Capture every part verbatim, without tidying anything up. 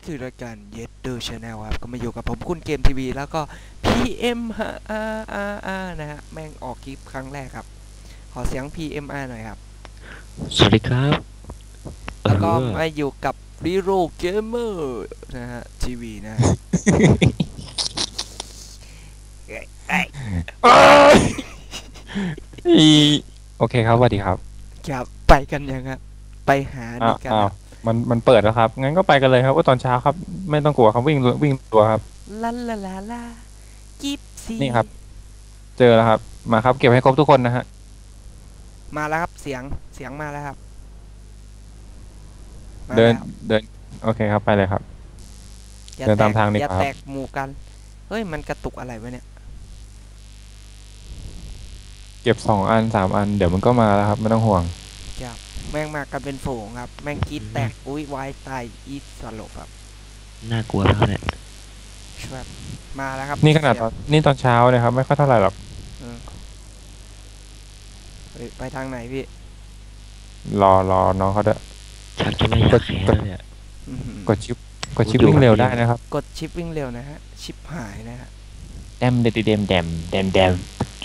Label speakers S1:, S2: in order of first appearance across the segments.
S1: คือรายการ Yetdo Channel ครับก็มาอยู่กับผมคุณเกมทีวีแล้วก็ พี เอ็ม อาร์ อาร์ อาร์ นะฮะแม่งออกคลิปครั้งแรกครับขอเสียง พี เอ็ม อาร์ หน่อยครับ
S2: สวัสดีครับ
S1: แล้วก็
S2: เออ
S1: มาอยู่กับ Hero Gamer นะฮะทีวีนะฮะเอ้ยเอ้ย
S3: อีโอเคครับสวัสดีครับ
S1: ครับไปกันยังครับไปหาดี
S3: อ้าว
S1: กัน
S3: อ้าว
S1: ครับ
S3: มันมันเปิดแล้วครับงั้นก็ไปกันเลยครับว่าตอนเช้าครับไม่ต้องกลัวครับวิ่งวิ่งตัวครับ
S1: ลาลาลาลากิบซี
S3: นี่ครับเจอแล้วครับมาครับเก็บให้ครบทุกคนนะฮะ
S1: มาแล้วครับเสียงเสียงมาแล้วครับมา
S3: เดิน
S1: แล้ว
S3: เดินโอเคครับไปเลยครับ
S1: อย่า
S3: เดิน
S1: แต
S3: ตาม
S1: ก
S3: ทางดี
S1: อย่าก
S3: ว่าค
S1: แต
S3: รับ
S1: กหมู่กันเฮ้ยมันกระตุกอะไรวะเนี่ย
S3: เก็บสองอันสามอันเดี๋ยวมันก็มาแล้วครับไม่ต้องห่วง
S1: จับแม่งมากันเป็นฝูงครับแม่งกรีดแตกอุ้ยวายตายอีสลบครับ
S2: น่ากลัวแล้วเนี่ย
S1: ช่วยมาแล้วครับ
S3: นี่ขนาดต
S1: เสีย
S3: อนนี่ตอนเช้าเลยครับไม่ค่อยเท่าไหร่หรอก
S1: เออเฮ้ยไปทางไหนพี่
S3: รอรอน้องเขาด้วย
S2: ชักจะไม่อยากแค้นแล้วเนี่ย
S1: อื้อหือก
S3: ดชิปกดชิปวิ่งเร็วได้นะครับ
S1: กดชิปวิ่งเร็วนะฮะชิปหายนะฮะ
S3: แดมเดมเดมเดมเดมเดม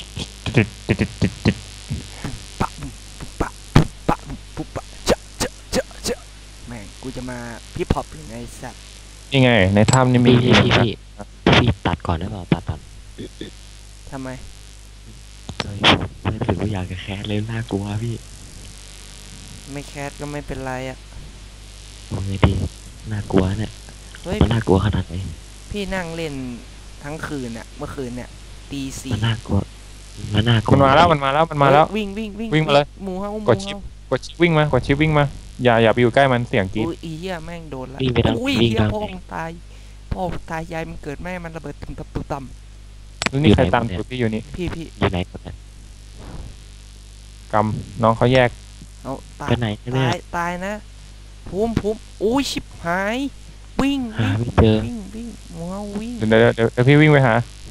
S1: ปะปุ๊บปะปุ๊บปะปุ๊บปะเจาะเจาะเจาะเจาะแม่งกูจะมาพี่พอปหรือไงสัตว์
S3: นี่ไงในถ้ำนี่มี
S2: พี่พี่พี่พี่พี่ตัดก่อนได้เปล่าตัดตัด
S1: ทำไม
S2: เฮ้ยไม่รู้สึกว่าอยากจะแค้นเลยน่ากลัวพี่
S1: ไม่แคสก็ไม่เป็นไรอ่ะ
S2: ทำไงดีน่ากลัวเนี่ย
S1: เฮ้ย
S2: มันน่ากลัวขนาดไหน
S1: พี่นั่งเล่นทั้งคืนเนี่ยเมื่อคืนเนี่ยตีสี่
S2: มันน่ากลัวมันน่ากลัว
S3: มันมาแล้วมันมาแล้วมันมาแล้ว
S1: วิ่งวิ่งวิ่ง
S3: วิ่งมาเลย
S1: หมูเฮาหมู
S3: กดชิป กดชิปวิ่งมากดชิปวิ่งมาอย่าอย่าไปอยู่ใกล้มันเสียงกรี๊ด
S1: อุ้ยอีเหี้ยแม่งโดนละ
S2: วิ่งไปทาง
S1: อุ้ย
S2: วิ่ง
S1: เหี้ย
S2: ทาง
S1: พ่อมึงตายพ่อตายยายมันเกิดแม่มันระเบิดตึมตับตุ่มต่ำ
S3: แล้วนี่ใครตามตัวพี่อยู่นี่
S1: พี่พี่
S2: อยู่ไหนกันเนี่ย
S3: กำน้องเขาแยก
S1: เอาตาย
S2: ไปไหนกันเนี่
S1: ตาย ยตายนะภูมิภูมิอุ้ยชิบหาย วิ่ง
S2: หา
S1: วิ่ง
S2: ไม่เจอ
S1: วิ่งวิ่งหมูเฮาวิ่ง
S3: เดี๋ยวเดี๋ยวเดี๋ยวเดี๋ยวพี่วิ่งไปหา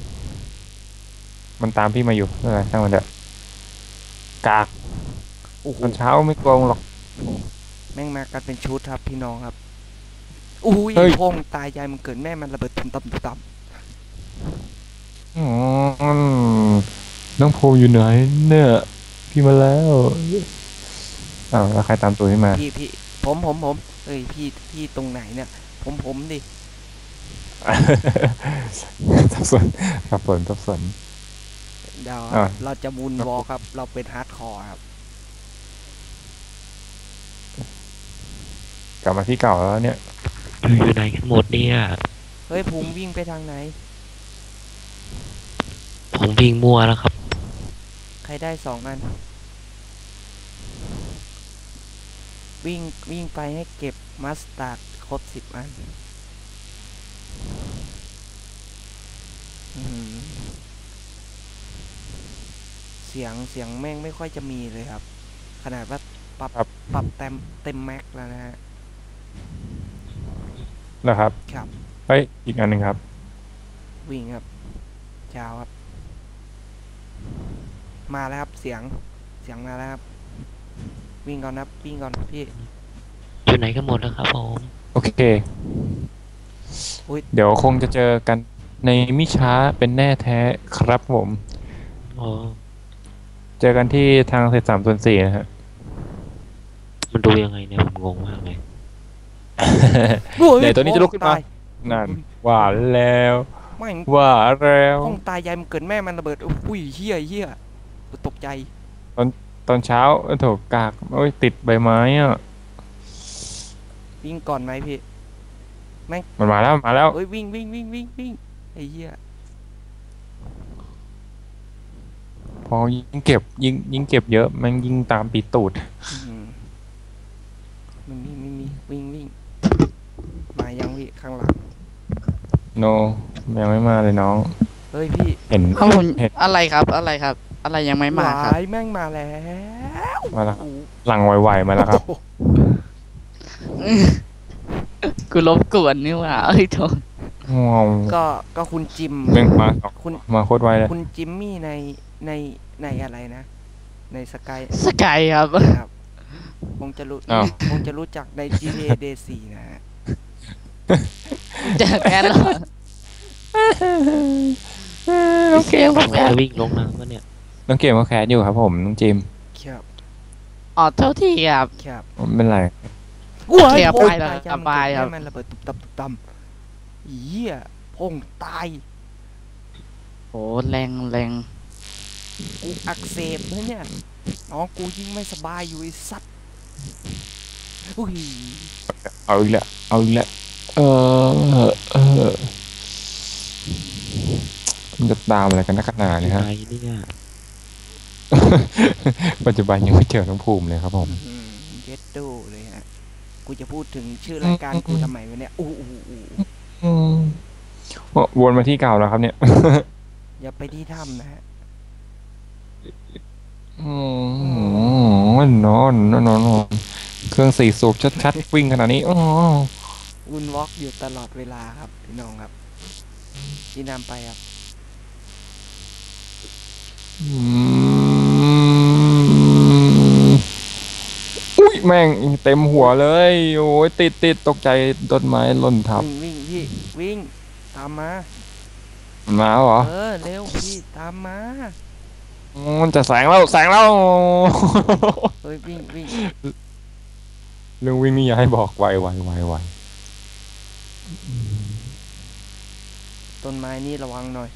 S3: มันตามพี่มาอยู่อะไรช่างมันเถอะกาก
S1: โอ้โห
S3: ตอนเช้าไม่กลัวหรอก
S1: แม่งมากันเป็นชุดครับพี่น้องครับอุ้ย
S3: เฮ้ย
S1: พ่อมึงตายยายมันเกิดแม่มันระเบิดตึมตับตุ่มต่
S3: อืมน้องภูมิอยู่ไหนเนี่ยพี่มาแล้วอ้าวแล้วใครตามตัวพี่มา
S1: ำพี่พี่ผมผมผมเอ้ยพี่พี่ตรงไหนเนี่ยผมผมดิ
S3: สับสนสับสนสับสน
S1: เดี๋ยว
S3: อ่ะ
S1: เราจะมูนวอลครับ เราเป็นฮาร์ดคอร์ครับ
S3: กลับมาที่เก่าแล้วเนี่ย
S2: อยู่ไหนกันหมดเนี่ย
S1: เฮ้ยภูมิวิ่งไปทางไหน
S2: ผมวิ่งมั่วแล้วครับ
S1: ใครได้สองอัน วิ่งวิ่งไปให้เก็บมัสตาร์ดครบสิบอันอื้อหือเสียงเสียงแม่งไม่ค่อยจะมีเลยครับ ขนาดว่าปรับ
S3: ครับ
S1: ปรับเต็มเต็มแม็กแล้วนะฮะ
S3: นะครับ
S1: ครับ
S3: เฮ้ยอีกอันหนึ่งครับ
S1: วิ่งครับเช้าครับ มาแล้วครับเสียงเสียงมาแล้วครับ วิ่งก่อนนะวิ่งก่อนพี่
S2: อยู่ไหนกันหมดแล้วครับผม
S3: โอเค
S1: อุ๊ย
S3: เดี๋ยวคงจะเจอกันในมิช้าเป็นแน่แท้ครับผม
S2: อ๋อ
S3: เจอกันที่ทางเศษสามส่วนสี่นะฮะ
S2: มันดูยังไงเนี่ยผมงงมากเลย
S3: เดี๋ยวตัวนี้จะลุกขึ้นมา
S1: ตย
S3: นั่นว่าแล้ว
S1: ไม่ง
S3: ว่าแล้ว
S1: ห้องตายยายมันเกิดแม่มันระเบิดอุ้ยเฮี้ยเฮี้ยกูตกใจ
S3: ตอนเช้าเออโถกากโอ้ยติดใบไม้อ่ะ
S1: วิ่งก่อนไหมพี่
S3: มันมาแล้วมันมาแล้ว
S1: เอ้ยวิ่งวิ่งวิ่งวิ่งวิ่งไอ้เหี้ย
S3: พอยิงเก็บยิงยิงเก็บเยอะมันยิงตามปีตูด
S1: อืมไม่มีไม่มีวิ่งวิ่งมายังพี่ข้างหลัง
S3: โนยังไม่มาเลยน้อง
S1: เฮ้ยพี่
S3: เห็น
S4: ข้าวผม
S3: เห็น
S4: อะไรครับอะไรครับ อะไรยังไม่มาครับ
S1: หวายแม่งมาแล้ว
S3: มาแล้ว
S1: โอ้โห
S3: หลังไวๆมาแล้วครับ
S4: กูรบกวนนี่หว่าเอ้ยโทษ
S3: งง
S1: ก็ก็คุณจิม
S3: เม่งมา
S1: คุณ
S3: มาโคตรไวเลย
S1: คุณจิมมี่ในในในอะไรนะ ในสกาย
S4: สกายครับ
S1: ครับคงจะรู้
S3: อ้าว
S1: คงจะรู้จักใน จี ที เอ Day สี่นะฮะ
S4: เจอแคทแล้ว
S3: น้องเกม
S2: ผ
S3: ก็
S2: ม
S3: แคส
S2: จะวิ่งลงน้ำวะเนี่ย
S3: น้องเกมก็แคสอยู่ครับผมน้องจิม
S1: ครับ
S4: อ๋อเท่าที่ครับ
S1: ครับ
S3: ไม่เป็นไร
S1: ว้าย
S4: เทียบ
S1: โอ้ย
S4: ไปแล้ว
S1: ตาย
S4: สบายครับ
S1: ให้มันระเบิดตุบตับตุบตับเหี้ยพงตาย
S4: โหแรงแรง
S1: กูอักเสบนะเนี่ยน้องกูยิ่งไม่สบายอยู่ไอ้สัตว์อุ้ย
S3: เอาอีกแล้วเอาอีกแล้วเออเออมันจะตามอะไรกันนักหนา
S2: ที่
S3: เนี่ย
S2: ไห
S3: ฮะ
S2: นเนี่ย
S3: ปัจจุบันยังไม่เจอน้องภูมิเลยครับผม
S1: อื้อหือเย็ดโดเลยฮะกูจะพูดถึงชื่อรายการกูทำไมวะเนี่ยอู้อู้อู้
S3: อืมวนมาที่เก่าแล้วครับเนี่ย
S1: อย่าไปที่ถ้ำนะฮะ
S3: อืมนอนนอนนอนนอนเครื่องสี่สูบชัดๆวิ่งขนาดนี้อ๋อ
S1: วุ่นวอกอยู่ตลอดเวลาครับพี่น้องครับที่นำไปครับ
S3: อืมอุ้ยแม่งเต็มหัวเลย โอ้ยติดติดตกใจต้นไม้หล่นทับ
S1: วิ่งวิ่งพี่วิ่งตามมา
S3: มันมาเหรอ
S1: เออเร็วพี่ตามมา
S3: อืมมันจะแสงแล้วแสงแล้ว
S1: เฮ้ยวิ่งวิ่ง
S3: เรื่องวิ่งนี่อย่าให้บอกไวไวไวไว
S1: ต้นไม้นี่ระวังหน่อย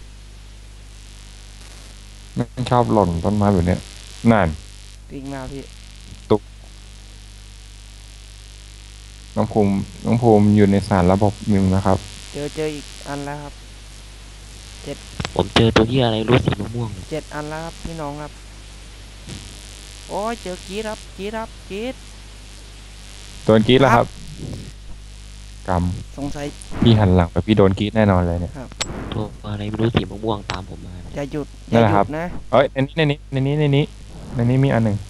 S3: มันชอบหล่นต้นไม้แบบเนี้ยนั่น
S1: วิ่งมาพี่
S3: น้องภูมิน้องภูมิอยู่ในสารระบบหนึ่งนะครับ
S1: เจอเจออีกอันแล้วครับ
S2: ผมเจอตัวที่อะไรรู้สีม่วงๆเนี่ย
S1: เจ็ดอันแล้วครับพี่น้องครับโอ้ยเจอกีดครับกีดครับกีด
S3: โดนกรีดแล้วครับกรรม
S1: สงสัย
S3: พี่หันหลังไปพี่โดนกรีดแน่นอนเลยเนี่ย
S2: ตัวอะไรไม่รู้สีม่วงๆตามผมมาเนี่ย
S1: อย่าหยุดอ
S3: นั่
S1: ย่าน
S3: แหละ
S1: ห
S3: ครั
S1: ยุ
S3: บ
S1: ดนะ
S3: เอ้ยในนี้ในนี้ในนี้ในนี้ในนี้มีอันหนึ่ง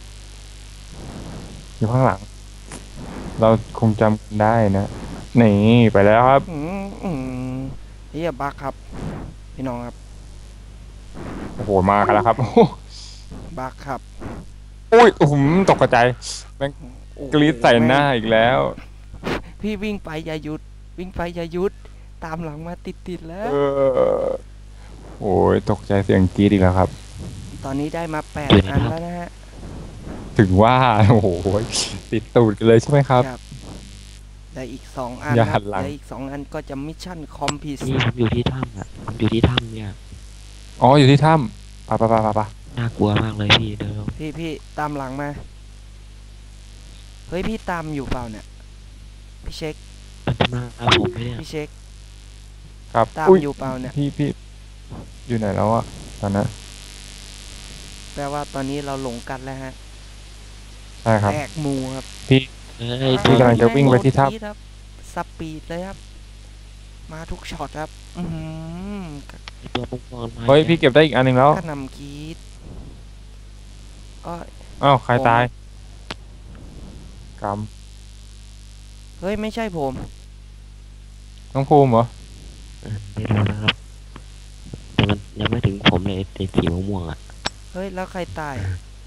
S3: อยู่ข้างหลัง เราคงจำกันได้นะนี่ไปแล้วครับ
S1: อืมอืมเฮียบักครับ พี่น้องครับ
S3: โอ้โหมากันแล้วครับ
S1: บักครับ
S3: อุ้ยโอ้โหตกใจ
S1: โอ้โห
S3: กรีดใส่หน้าอีกแล้ว
S1: พี่วิ่งไปอย่าหยุด วิ่งไปอย่าหยุด ตามหลังมาติดติดๆแล้ว
S3: เออโอ้ยตกใจเสียงกรีดอีกแล้วครับ
S1: ตอนนี้ได้มาแปดอันแล้วนะฮะ
S3: ถึงว่า โอ้โหติดตูดกันเลยใช่ไหมครับ
S1: ครับได้อีกสองอัน
S3: อย่า
S1: ค
S3: หั
S1: รับ
S3: นหลัง
S1: ได้อีกสองอันก็จะมิชชั่นคอมพิว
S2: นี่ผมอยู่ที่ถ้ำอ่ะผมอยู่ที่ถ้ำเนี่ย
S3: อ๋ออยู่ที่ถ้ำปะปะปะปะปะ
S2: น่ากลัวมากเลยพี่เดี๋ยว
S1: พี่พี่ตามหลังมา เฮ้ยพี่ตามอยู่เปล่าเนี่ย พี่เช็ค
S2: มันจะมาเอาผมไหมเนี่ย
S1: พี่เช็ค
S3: ครับ
S1: ตาม
S3: อุ้ย
S1: อยู่เปล่าเนี่ย
S3: พี่พี่อยู่ไหนแล้วอะตอนนั้น
S1: แปลว่าตอนนี้เราหลงกันแล้วฮะ
S3: ใช่ครับ
S1: แตกหมูครับ
S3: พี่
S2: เอ้ย
S3: พี่กำลังจะวิ่งไปที่ถ้ำ
S1: โดนกรี๊ดครับสปีดเลยครับ มาทุกช็อตครับ อือหือ
S2: ตัวม่วงๆมา
S3: เฮ้ยพี่เก็บได้อีกอันหนึ่งแล้ว
S1: กระหนำกรีดก็
S3: อ้าวใครตายกรรม
S1: เฮ้ยไม่ใช่ผม
S3: น้องภูมิเหรอ
S2: ไม่รู้นะครับแต่มันยังไม่ถึงผมเลยไอ้สีม่วงๆอ่ะ
S1: เฮ้ยแล้วใครตาย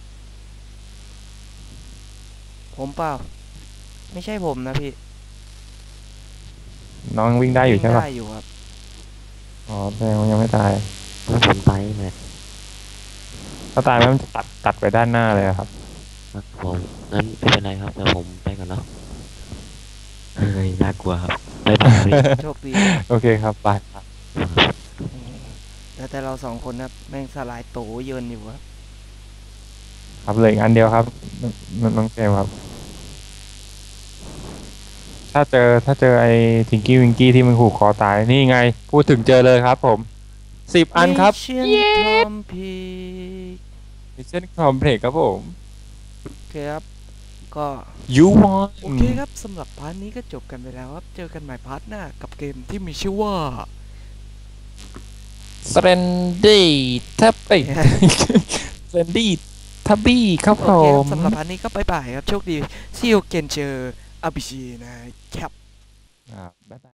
S1: ผมเปล่า ไม่ใช่ผมนะพี่
S3: น้องวิ่งได้อยู่ใช่ปะ
S1: ได้อยู่ครับ
S3: อ๋อแสดงว่ายังไม่ตาย
S2: ถ้าผมไปเนี่ย
S3: ถ้าตายแล้วมันจะตัดตัดไปด้านหน้าเลยอะครับ
S2: ครับผมงั้นไม่เป็นไรครับเดี๋ยวผมไปก่อนเนาะเฮ้ยน่ากลัวครับไปไปไป
S1: โชคดี
S3: โอเคครับไปครับ
S1: แล้วแต่เราสองคนครับแม่งสลายโตเยินอยู่ครับ
S3: ครับเหลยอันเดียวครับนนน้องเกมครับ ถ้าเจอถ้าเจอไอ้ทิงกี้วิงกี้ที่มันผูกคอตายนี่ไง พูดถึงเจอเลยครับผมสิบอันครับ
S1: Mission Complete
S3: มิชชั่นคอมเพล็กครับผม
S1: โอเคครับ ก็
S3: ยูวอน
S1: โอเคครับสำหรับพาร์ทนี้ก็จบกันไปแล้วครับ เจอกันใหม่พาร์ทหน้ากับเกมที่มีชื่อว่า
S3: สเตนดี้ทับปี้สเตนดี้ทับบี้ครับ
S1: โอ
S3: ผ
S1: เคครับ
S3: ม
S1: สำหรับพาร์ทนี้ก็บายบายครับ โชคดี See you again เจออาบิชีนะครับ
S3: อ่าบ๊ายบาย